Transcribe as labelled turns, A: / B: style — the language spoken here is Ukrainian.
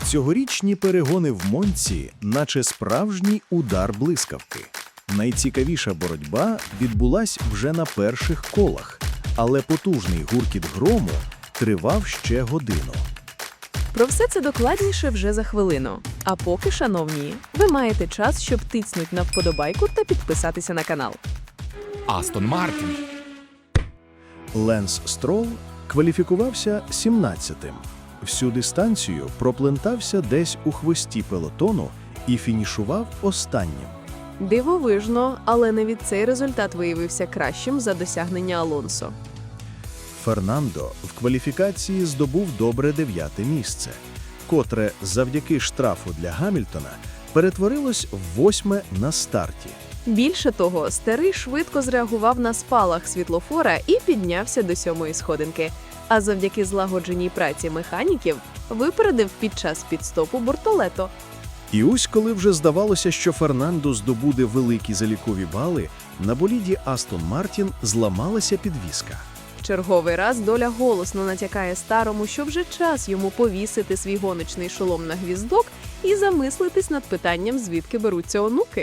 A: Цьогорічні перегони в Монці, наче справжній удар блискавки. Найцікавіша боротьба відбулась вже на перших колах, але потужний гуркіт грому тривав ще годину.
B: Про все це докладніше вже за хвилину. А поки, шановні, ви маєте час, щоб тицнуть на вподобайку та підписатися на канал.
C: Астон Мартін.
A: Ленс Стролл кваліфікувався 17-тим. Всю дистанцію проплентався десь у хвості пелотону і фінішував останнім.
B: Дивовижно, але навіть цей результат виявився кращим за досягнення Алонсо.
A: Фернандо в кваліфікації здобув добре 9-те місце, котре завдяки штрафу для Гамільтона перетворилось в 8-ме на старті.
B: Більше того, старий швидко зреагував на спалах світлофора і піднявся до 7-ї сходинки. А завдяки злагодженій праці механіків випередив під час підстопу Бортолето.
A: І ось коли вже здавалося, що Фернандо здобуде великі залікові бали, на боліді Астон Мартін зламалася підвіска.
B: Черговий раз доля голосно натякає старому, що вже час йому повісити свій гоночний шолом на гвіздок і замислитись над питанням, звідки беруться онуки.